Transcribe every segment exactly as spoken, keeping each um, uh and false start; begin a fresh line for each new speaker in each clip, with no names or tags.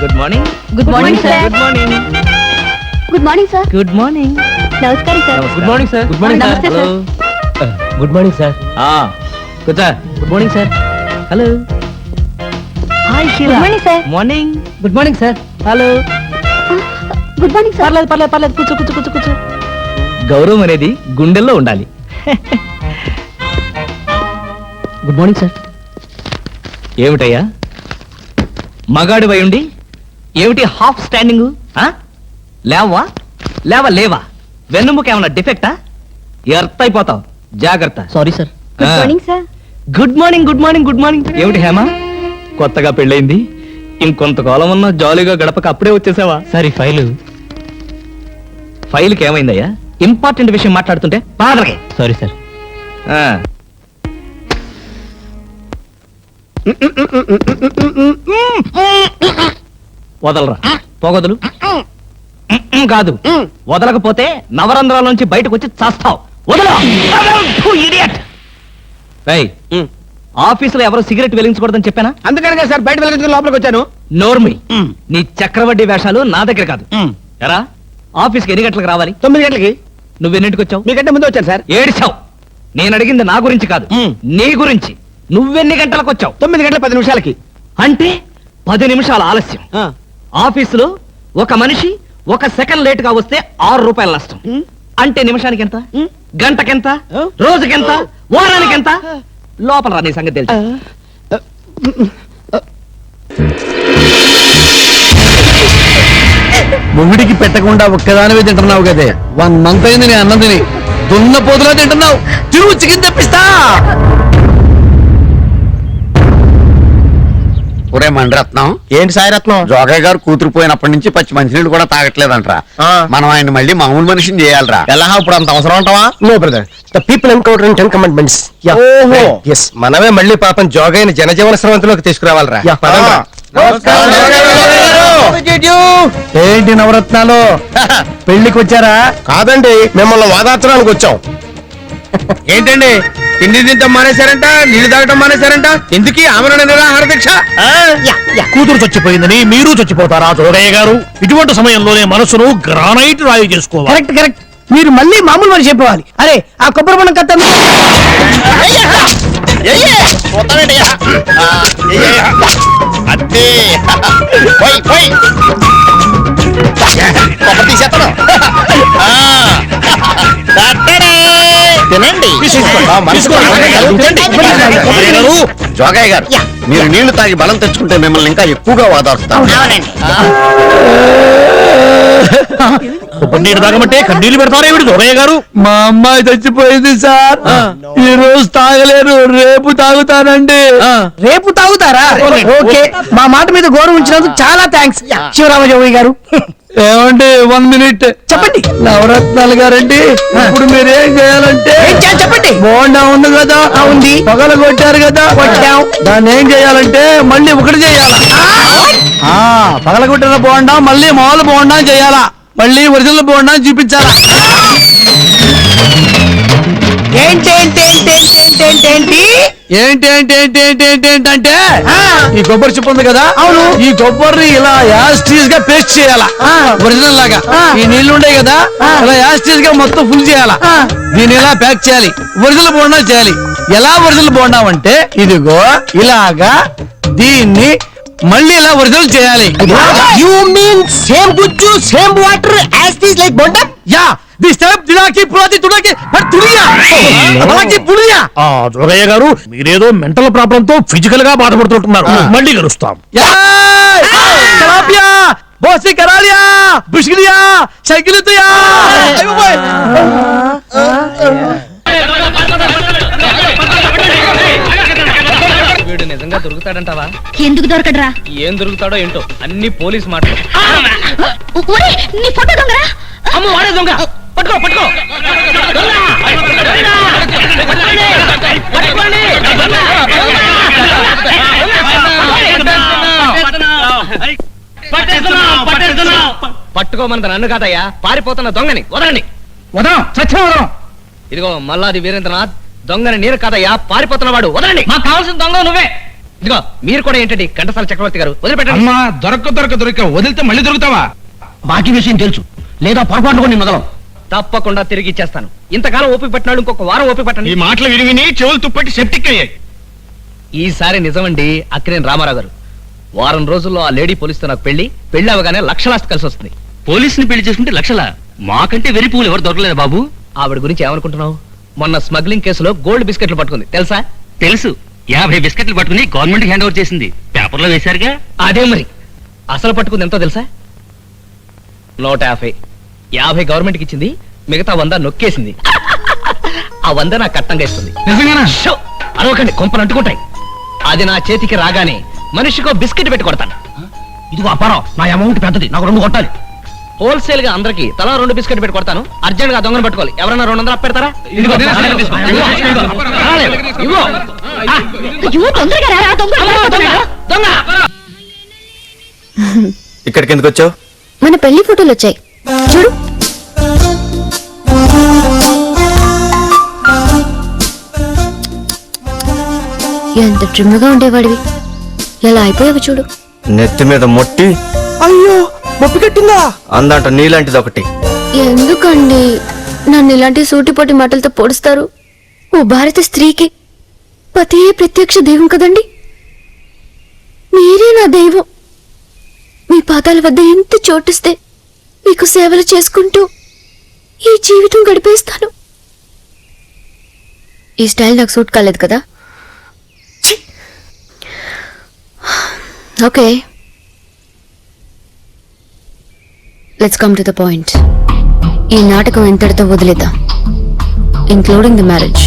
Good morning.
Good morning sir.
Good morning.
Good morning sir.
Good morning.
నమస్కారం sir.
Good morning sir.
Good morning నమస్తే sir.
Good morning sir. కూర్చో. Good morning sir. Hello. Hi
good morning sir.
Morning. Good morning sir. Hello.
Good morning sir.
పర్లేదు పర్లేదు పర్లేదు కూర్చో కూర్చో కూర్చో కూర్చో. గౌరవం అనేది గుండెల్లో ఉండాలి. Good morning sir. ఏమిటయ్యా మగాడి వై ఉండి ఏమిటి హాఫ్ స్టాండింగ్? లేవా లేవా లేవా వెన్నుముక ఏమన్నా డిఫెక్టా? ఎర్త్ అయిపోతావు, జాగ్రత్త. Sorry sir.
Good morning sir.
Good morning good morning good morning. ఏమిటి హేమ కొత్తగా పెళ్ళైంది, ఇంకొంతకాలం ఉన్న జాలీగా గడపక అప్పుడే వచ్చేసావా? సరే ఫైలు ఫైల్కి ఏమైందయ్యా? ఇంపార్టెంట్ విషయం మాట్లాడుతుంటే బాధలకే. Sorry sir. వదలరా పోగొదలు. కాదు, వదలకపోతే నవరంధ్రాల నుంచి బయటకు వచ్చి చస్తావు. వదల. ఆఫీసులో ఎవరు సిగరెట్ వెలిగించకూడదని చెప్పానా?
అందుకనే సార్ బయట వెలిగించుకుని లోపలికి వచ్చాను.
నోర్మి, నీ చక్రవడ్డీ వేషాలు నా దగ్గర కాదు. ఎరా ఆఫీస్కి ఎన్ని గంటలకు రావాలి?
తొమ్మిది గంటలకి.
నువ్వెన్నింటికి వచ్చావు?
మీకంటే ముందు వచ్చాను సార్.
ఏడిచావు. నేను అడిగింది నా గురించి కాదు, నీ గురించి. నువ్వెన్ని గంటలకు వచ్చావు?
తొమ్మిది గంటల పది నిమిషాలకి.
అంటే పది నిమిషాల ఆలస్యం. ఆఫీసులో ఒక మనిషి ఒక సెకండ్ లేట్ గా వస్తే ఆరు రూపాయల నష్టం. అంటే నిమిషానికి ఎంత? గంటకెంత? రోజుకెంత? వారానికి ఎంత? లోపల రా, నీ సంగతి తెలుసు.
మొగుడికి పెట్టకుండా ఒక్కదానివే తింటున్నావు కదే. వన్ మంత్ అయింది నేను అన్నం తిని. దున్న పోతులా తింటున్నావు. తిరుగు చికెన్ తెప్పిస్తా. ఒరే మండరత్నం.
ఏంటి సాయిరత్నం?
జోగయ్య గారు కూతురు పోయినప్పటి నుంచి పచ్చి మంచినీళ్ళు కూడా తాగట్లేదంట్రా. మనం ఆయన మళ్ళీ మామూలు మనిషిని చేయాలరా.
ఎలా ఇప్పుడు అంత అవసరం అంటావా?
No brother, the people encounter in ten commandments.
ఓహో.
yes, మనమే మళ్ళీ పాపం జోగయ్యని జనజీవన స్రవంతిలోకి తీసుకురావాలరా. పదండ్రా.
ఏంటి నవరత్నాలు పెళ్లికి వచ్చారా?
కాదండి, మిమ్మల్ని వాదార్చడానికి వచ్చాం.
ఏంటండి తిండి తింటాం మానేశారంట, నీళ్లు తాగటం మానేశారంట, ఎందుకు ఆమరణ నిరాహార దీక్ష?
కూతురు చచ్చిపోయిందని మీరు చచ్చిపోతారా జోగయ్య గారు? ఇటువంటి సమయంలోనే మనసును గ్రానైట్ రాయి చేసుకోవాలి.
Correct correct. మీరు మళ్ళీ మామూలు మనిషి అయిపోవాలి. అరే ఆ కొబ్బరి బొండం కత్త
తినండి. జోగయ్య గారు, మీరు నీళ్లు తాగి బలం తెచ్చుకుంటే మిమ్మల్ని ఇంకా ఎక్కువగా వాదాడుతాం.
నీరు తాగమంటే కన్నీళ్లు పెడతారా ఏమిటి జోగయ్య గారు?
మా అమ్మాయి చచ్చిపోయింది సార్. ఈ రోజు తాగలేరు, రేపు తాగుతానండి.
రేపు తాగుతారా? ఓకే, మా మాట మీద గౌరవం ఉంచినందుకు చాలా థ్యాంక్స్ శివరామజోగి గారు.
ఏమండి వన్ మినిట్
చెప్పండి.
నవరత్నాలు గారండి, ఇప్పుడు మీరేం చేయాలంటే
ఏం చేయాలి చెప్పండి.
బోండా ఉంది కదా,
ఉంది.
పగల కొట్టారు కదా,
కొట్టాం.
దాన్ని ఏం చేయాలంటే మళ్ళీ ఒకటి చేయాలా. పగల కొట్టిన బోండా మళ్ళీ మామూలు బోండా చేయాలా, మళ్ళీ ఒరిజినల్ బోండా చూపించాలా.
ఏంటి ఏంటి ఏంటి ఏంటి ఏంటి ఏంటి
ఏంటి ఏంటి ఏంటి ఏంటి ఏంటి ఏంటంటే ఈ కొబ్బరి చిప్ప ఉంది కదా,
అవును,
ఈ కొబ్బరిని ఇలా యాస్టీస్ గా పేస్ట్ చేయాలా, ఒరిజినల్ లాగా. ఈ నీళ్లు ఉండే కదా, ఇలా యాస్టీస్ గా మొత్తం ఫుల్ చేయాలా. దీన్ని ఇలా ప్యాక్ చేయాలి, ఒరిజినల్ బోండా చేయాలి. ఎలా ఒరిజినల్ బోండా అంటే ఇదిగో ఇలాగా దీన్ని మళ్ళీ ఇలా ఒరిజినల్ చేయాలి.
యు మీన్ సేమ్ గుజ్జు same water as this like bonda?
Yeah this type దిలాకి పులాకి తుడాకి బట్ తుడియా అలాకి పుడియా.
ఆ జోగయ్య గారు, మీరేదో మెంటల్ ప్రాబ్లం తో ఫిజికల్ గా బాధపడుతుంటున్నారు. మళ్ళీ కలుస్తాం.
కలాపియా బోసి కరాలియా బుష్కిలియా సైకిలియా.
వీడు నిజంగా దొరుకుతాడంటావా?
ఎందుకు దొరకడరా?
ఏం దొరుకుతాడో ఏంటో, అన్ని పోలీస్ మాటలు.
ఒరే, నీ ఫోటో దొంగరా?
అమ్మ వాడే దొంగ. పట్టుకో పట్టుకో. పట్టుకోమన్నది నన్ను కాదయ్యా, పారిపోతున్న దొంగని. వదలండి.
వదలం, చచ్చిన వదలం.
ఇదిగో మల్లాది వీరేంద్రనాథ్, దొంగని నీరు కాదయ్యా, పారిపోతున్నవాడు. వదలండి. మాకు కావాల్సిన దొంగ నువ్వే. ఇదిగో మీరు కూడా ఏంటండి ఘంటసాల చక్రవర్తి గారు వదిలిపెట్టండి.
అమ్మా దొరక్క దొరక దొరక వదిలితే మళ్ళీ దొరుకుతావా?
బాకీ విషయం తెలుసు, లేదా పొరపాటు కూడా నేను వదలం.
తప్పకుండా తిరిగి ఇచ్చేస్తాను. ఇంతకాలం ఓపిక పట్టినాడు, ఇంకొక వారం ఓపిక
ఈ
పట్టండి.
మాటలు విని విని చెవులు తుప్పట్టి సెప్టిక్ అయ్యాయి.
ఈసారి నిజమండి అక్కినేని రామారావు గారు. వారం రోజుల్లో ఆ లేడీ పోలీసుతో నాకు పెళ్లి, పెళ్లి అవగానే లక్షలాస్తి కలిసి వస్తుంది.
పోలీసుని పెళ్లి చేసుకుంటే లక్షల మాకంటే వెరి పువ్వులు ఎవరు దొరకలేదు బాబు.
ఆవిడ గురించి ఏమనుకుంటున్నావు? మొన్న స్మగ్లింగ్ కేసులో గోల్డ్ బిస్కెట్లు పట్టుకుంది తెలుసా?
తెలుసు, యాభై బిస్కెట్లు పట్టుకుని గవర్నమెంట్ హ్యాండ్ ఓవర్ చేసింది. పేపర్లో వేశారుగా.
అదే మరి అసలు పట్టుకుంది ఎంతో తెలుసా? నూట యాభై యాభై గవర్నమెంట్కి ఇచ్చింది, మిగతా వంద నొక్కేసింది. ఆ వంద నా కట్టంగా ఇస్తుంది.
నిజంగానా?
షో! అరవకండి, కొంపలు అంటుకుంటాయి. అది నా చేతికి రాగానే మనిషికో బిస్కెట్ పెట్టి కొడతాను.
ఇదిగో అప్పారావు, నా అమౌంట్ పెద్దది, నాకు రెండు కొట్టాలి.
హోల్సేల్ గా అందరికి తలా రెండు బిస్కెట్ పెట్టి కొడతాను. అర్జెంట్ గా దొంగను పట్టుకోవాలి. ఎవరైనా రెండు వందలు అప్పెడతారా? ఇదిగో, ఇదిగో, ఇదిగో. రాలేదు. ఇదిగో. ఆ,
అయ్యో, తొందరగా రా, దొంగ
దొంగ, దొంగ.
ఇక్కడికి ఎందుకు వచ్చావు?
మన పెళ్లి ఫోటోలు వచ్చాయి చూడు. ఎంత ట్రిమ్గా ఉండేవాడివి, ఎలా అయిపోయావు చూడు.
నెత్తి మీద మొట్టి
అయ్యో, మొప్పి కట్టిందా?
అందంట నీలాంటిది ఒకటి.
ఎందుకండి నన్ను ఇలాంటి సూటిపోటి మాటలతో పొడుస్తారు? ఓ భారత స్త్రీకి పతే ప్రత్యక్ష దైవం కదండి. మీరే నా దైవం. మీ పాదాల వద్ద ఎంత చోటిస్తే మీకు సేవలు చేసుకుంటూ ఈ జీవితం గడిపేస్తాను. ఈ స్టైల్ నాకు సూట్ కాలేదు కదా? Okay, let's come to the point. ఈ నాటకం ఎంతటితో వదిలేద్దాం, ఇంక్లూడింగ్ ది మ్యారేజ్.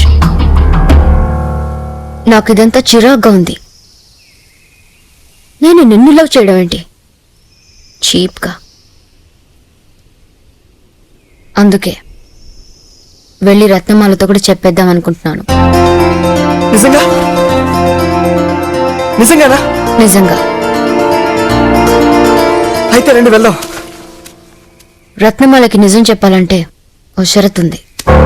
నాకు ఇదంతా చిరాగ్గా ఉంది. నేను నిన్ను లవ్ చేయడం ఏంటి చీప్గా. అందుకే వెళ్ళి రత్నమాలతో కూడా చెప్పేద్దాం అనుకుంటున్నాను.
నిజంగా? నిజంగానా?
నిజంగా.
అయితే రండి వెళ్దాం.
రత్నమాలకి నిజం చెప్పాలంటే ఓ షరతు ఉంది.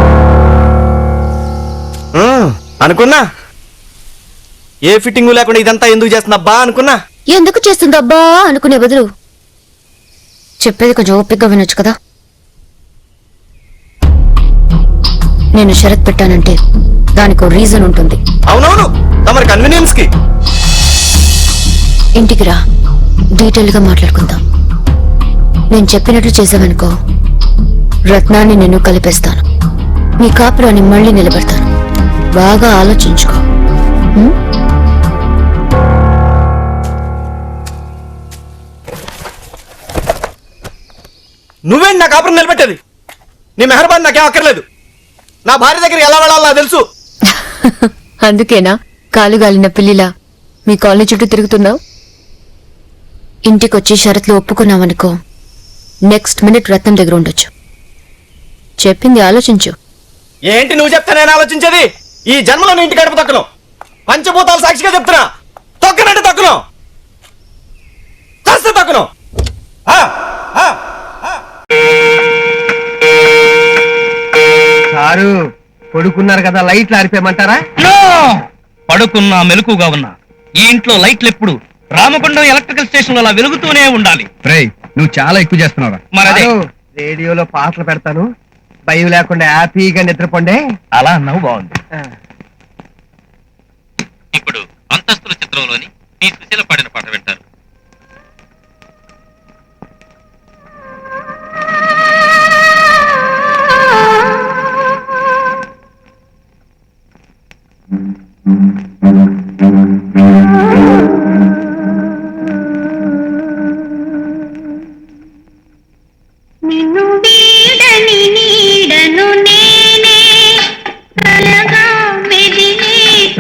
ఉమ్, అనుకున్నా. ఏ ఫిట్టింగ్ లేకుండా ఇదంతా ఎందుకు చేస్తున్నా అనుకున్నా.
ఎందుకు చేస్తుందబ్బా అనుకునే బదులు చెప్పేది కొంచెం ఓపికగా వినొచ్చు కదా. నేను షరత్ పెట్టానంటే దానికి ఓ రీజన్ ఉంటుంది.
అవునవును, తమరి కన్వీనియన్స్ కి.
ఇంటికి రా, డీటెయిల్ గా మాట్లాడుకుందాం. నేను చెప్పినట్లు చేసావనుకో, రత్నాన్ని నేను కలిపేస్తాను. నీ కాపురాన్ని మళ్ళీ నిలబెడతాను. బాగా ఆలోచించుకో. ఉం?
నువ్వేంటి నా కాపురం నిలబెట్టేది? నీ మెహర్బాన్ నాకేం అక్కర్లేదు. నా భార్య దగ్గర ఎలా వెళ్ళాలో నాకు తెలుసు.
అందుకేనా కాలుగాలిన పిల్లిలా మీ కాలనీ చుట్టూ తిరుగుతున్నావు? ఇంటికొచ్చి షరత్లు ఒప్పుకున్నావనుకో, నెక్స్ట్ మినిట్ రత్నం దగ్గర ఉండొచ్చు. చెప్పింది ఆలోచించు.
ఏంటి నువ్వు చెప్తే నేను ఆలోచించేది? ఈ జన్మలో నీ ఇంటి గడప తొక్కను. పంచభూతాలు సాక్షిగా చెప్తున్నా, తొక్కనంటే తొక్కను, చస్తే తొక్కను. ఆ, ఆ.
సారు పడుకున్నారు కదా, లైట్లు ఆరిపోయమంటారా?
పడుకున్నా మెలకుగా ఉన్నా ఈ ఇంట్లో లైట్లు ఎప్పుడు రామకొండం ఎలక్ట్రికల్ స్టేషన్ అలా వెలుగుతూనే ఉండాలి.
రేయ్, నువ్వు చాలా ఎక్కువ చేస్తున్నావురా.
మరదే
సారు, రేడియోలో పాటలు పెడతాను, భయం లేకుండా హ్యాపీగా నిద్రపోండి.
అలా అన్నావు, బాగుంది. ఇప్పుడు అంతస్తుల చిత్రంలోని ఈ సుశీల పాడిన పాట వింటారు.
నిన్ను వీడని నీడను నేనే కలగా మెదిలే.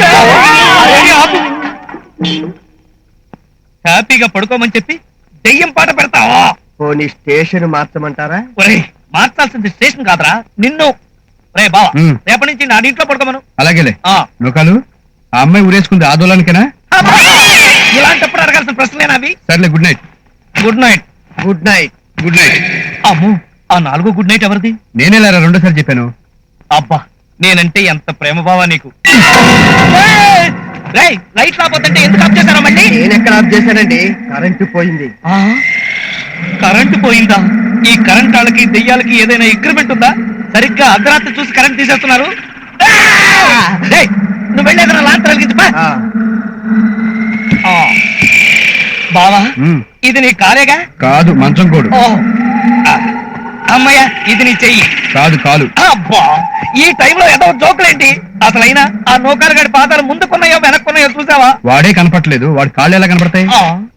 హ్యాపీగా పడుకోమని చెప్పి దెయ్యం పాట పెడతావా?
పోనీ స్టేషన్ మార్చమంటారా?
ఒరేయ్, మార్చాల్సింది స్టేషన్ కాదురా, నిన్ను. రే బావా,
ఉమ్.
రేపటి నుంచి నా ఇంట్లో పడుకోమను.
అలాగేలే.
ఆ.
లోకాలు, ఆ అమ్మాయి ఊరేసుకుంది ఆందోళనకేనా?
అబ్బా! ఇలాంటప్పుడు అడగాల్సిన ప్రశ్నలేనా అవి?
సర్లే, good night.
Good night.
Good night.
Good night.
అమ్మో, ఆ నాలుగో గుడ్ నైట్ ఎవరిది?
నేనేలారా రెండోసారి చెప్పాను.
అబ్బా, నేనంటే ఎంత ప్రేమ బావా నీకు. ఏయ్! రేయ్ లైట్ రాపోతుంటే ఎందుకు ఆఫ్ చేశారా మళ్ళీ
నేను ఎక్కడ ఆఫ్ చేశానండి కరెంటు పోయింది
ఆ? కరెంటు పోయిందా? ఈ కరెంట్ వాళ్ళకి దెయ్యాలకి ఏదైనా అగ్రిమెంట్ ఉందా? సరిగ్గా అర్ధరాత్రి చూసి కరెంట్ తీసేస్తున్నారు. ఆ! రేయ్, నువ్వు వెళ్ళేదన్నా లాంత్ వెలిగించు. బావా ఇది నీ కాలేగా?
కాదు మంచం కోడు.
ఓ ఆ, అమ్మయ్య ఇది నీ చెయ్యి.
కాదు కాలు.
అబ్బా ఈ టైంలో ఏదో జోకులేంటి? అసలైనా ఆ నౌకర్ గడి పాదాలు ముందుకున్నాయో వెనక్కున్నాయో చూసావా?
వాడే కనపట్లేదు, వాడి కాళ్ళు ఎలా కనపడతాయి?
ఆ